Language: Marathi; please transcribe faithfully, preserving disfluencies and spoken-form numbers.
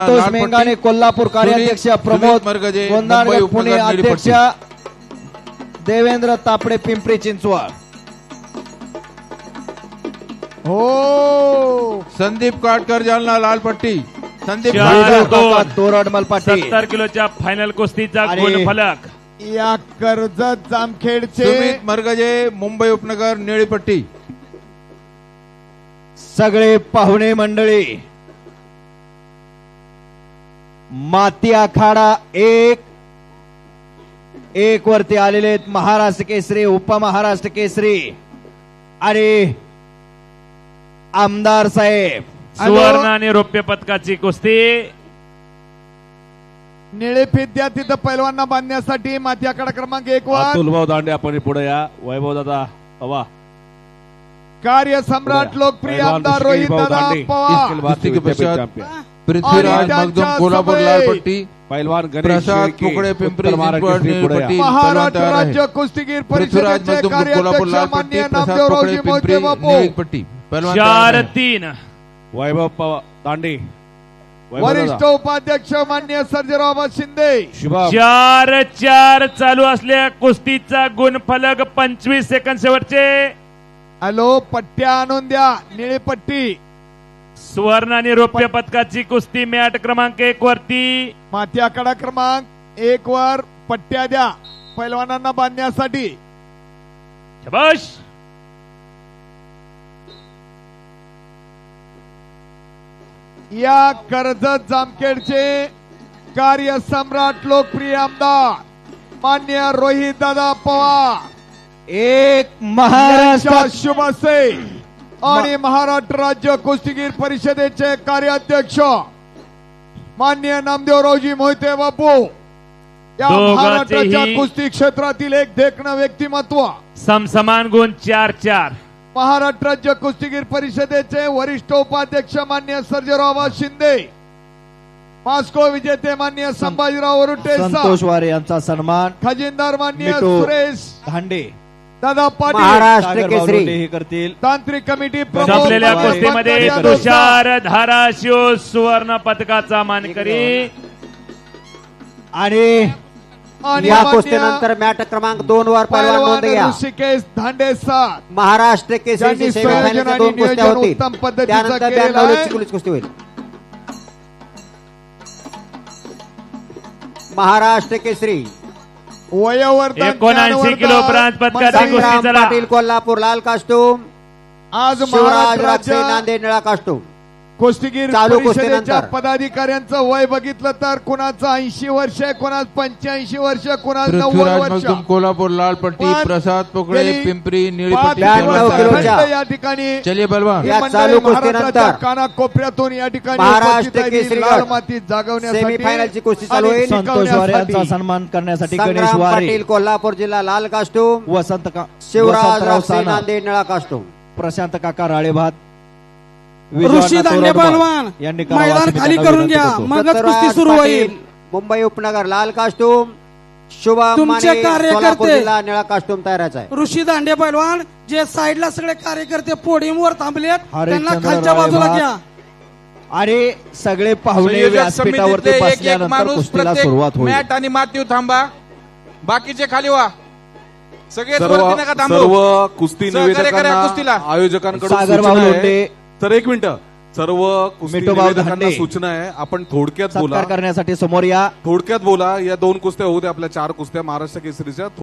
संतोष मेंगाने कोल्हापूर कार्याध्यक्ष, प्रमोद गोंदाडकर पुणे अध्यक्ष, देवेंद्र तापडे पिंपरी चिंचवड। हो संदीप काटकर जालना लाल पट्टी, संदीप तोरडमल पाटील। सत्तर किलोच्या फायनल कुस्तीचा गुणफलक या कर्जत जामखेडचे सुमित मरगजे मुंबई उपनगर निळी पट्टी। सगळे पाहुणे मंडळी, माती आखाडा एक एक वरती आलेले आहेत महाराष्ट्र केसरी, उपमहाराष्ट्र केसरी आणि आमदार साहेब। सुवर्ण आणि रौप्य पदकाची कुस्ती निळे फिद्या तिथं पैलवांना बांधण्यासाठी माती आखाडा क्रमांक एक वर अतुलभाऊ दांडे आपण पुढे या। वैभव दादा हवा कार्य सम्राट लोकप्रिय आमदार रोहित दादा पवार। कुस्ती के पश्चात पृथ्वीराज मगदुम कोल्हापुर लाल पट्टी, पहलवान प्रसाद पुकड़े पिंपरी चिंचवड नीली पट्टी। महाराष्ट्र राज्य कुस्तीगीर पृथ्वीराज परिषदेचे मगदुम कोल्हापुर लाल कार्याध्यक्ष पट्टी, माननीय प्रसाद नामदेव पुकड़े रावजी पिंपरी मोहिते बापू। नीली पट्टी। पहलवान चार तैयार है। तीन वैभव पवार दांडे, वैभव वरिष्ठ दादा, उपाध्यक्ष माननीय सर्जेराव शिंदे। शुभम चार चार चालू असलेल्या कुस्तीचा गुणफलक पंचवीस सेकंद शेवटचे। हॅलो पट्ट्या आणून द्या, निळी पट्टी सुवर्ण आणि रौप्य पदकाची कुस्ती मॅट क्रमांक एक वरती माती आखाडा क्रमांक एक वर पट्ट्या द्या पैलवानांना बांधण्यासाठी। शाबाश। या कर्जत जामखेडचे कार्य सम्राट लोकप्रिय आमदार मान्य रोहित दादा पवार एक महाराष्ट्र यांच्या शुभ हस्ते आणि महाराष्ट्र राज्य कुस्तीगीर परिषदेचे कार्याध्यक्ष मान्य नामदेवरावजी मोहिते बापू या दोघांचेही महाराष्ट्राच्या कुस्ती क्षेत्रातील एक देखणं व्यक्तिमत्व, समसमान गुण चार चार। महाराष्ट्र राज्य कुस्तीगीर परिषदेचे वरिष्ठ उपाध्यक्ष मान्य सर्जेराव शिंदे, मास्को विजेते मान्य संभाजीराव वरुटे, संतोष वारे यांचा सन्मान खजिनदार मान्य मिटू सुरेश धांडे दादा पाटील, महाराष्ट्र केसरी हे करतील। तांत्रिक कमिटी प्रमुख संपलेल्या मनोज कुस्तीमध्ये पाटकर तुषार धाराशिव सुवर्ण पदकाचा मानकरी आणि आणि या मान्य कुस्तीनंतर मॅट क्रमांक दोन वर पैलवान नोंद पैलवान घ्या। ऋषिकेश धांडे सर महाराष्ट्र ज्यांनी केसरीची संयोजन सेमीफायनलच्या आणि दोन कुस्त्या नियोजन होतील, उत्तम पद्धतीचं त्यानंतर केलेलं ब्याण्णव आहे। ची पोलीस कुस्ती होईल। महाराष्ट्र केसरी वयोवर्धन एकोणऐंशी किलो ब्रांच पदकाची मंडळी, कुस्ती संग्राम चला। पाटील कोल्हापूर लाल कास्टूम, आज शिवराज महाराष्ट्र राक्षे राज्य नांदेड निळा कास्टूम। कुस्तीगीर चालू परिषदेच्या कुस्तीनंतर पदाधिकाऱ्यांचं वय बघितलं तर कुणाचं ऐंशी वर्ष, कुणाच पंच्याऐंशी वर्ष, कुणाच नव्वद पृथ्वीराज वर्ष। मगदुम कोल्हापुर लाल पट्टी, पण प्रसाद पुकड़े गेली पिंपरी नीली पाच पट्टी। ब्याण्णव दिवस किलोच्या खंड या ठिकाणी चलिए पहलवान। ही या मंडळी चालू महाराष्ट्राच्या कुस्तीनंतर कानाकोपऱ्यातून या ठिकाणी महाराष्ट्र उपस्थित आहेत. केसरी लाल गट माती जागवण्यासाठी सेमीफायनलची कुस्ती चालू आणि होईल। संतोष वारे यांचा टिकवण्यासाठी. सन्मान करण्यासाठी गणेश संग्राम वारे, पाटील कोल्हापूर जिल्हा लाल कास्टूम, वसंत का शिवराज वसंतराव राक्षे सानप, नांदेड निळा कास्टूम। प्रशांत काका राळेभात, ऋषी दांडे पहलवान यांनी करावं मैदान असं मी खाली त्यांना करून विनंती घ्या, करतो। मगच दत्तराज कुस्ती सुरू पाटील, होईल। मुंबई उपनगर लाल कास्टूम, शुभम तुमचे माने कार्यकर्ते सोलापूर जिल्हा निळा कास्टूम तयाराचा आहे। ऋषी दांडे पहलवान जे साईडला सगळे कार्यकर्ते पोडियम वर थांबलेत त्यांना हरिश्चंद्र खालच्या बाजूला राळेभात घ्या। आणि सगळे पाहुणे संयोजक व्यासपीठावरती समितीतले एक एक बसल्यानंतर माणूस कुस्तीला प्रत्येक सुरुवात होईल। मॅट आणि मातीव थांबा, बाकीचे खाली व्हा, सगळे सर्व वरती नका थांबू। सर्व कुस्ती सहकार्य करा निवेदकांना कुस्तीला। आयोजकांकडून सागर सूचना भाऊ आहे. लोंढे, तर एक मिनिट, सर्व कुस्ती मिठू भाऊ निवेदकांना धांडे, सूचना आहे, आपण थोडक्यात बोला, सत्कार करण्यासाठी समोर या। थोडक्यात बोला। या दोन कुस्त्या होऊ दे आपल्या चार कुस्त्या महाराष्ट्र केसरीच्या।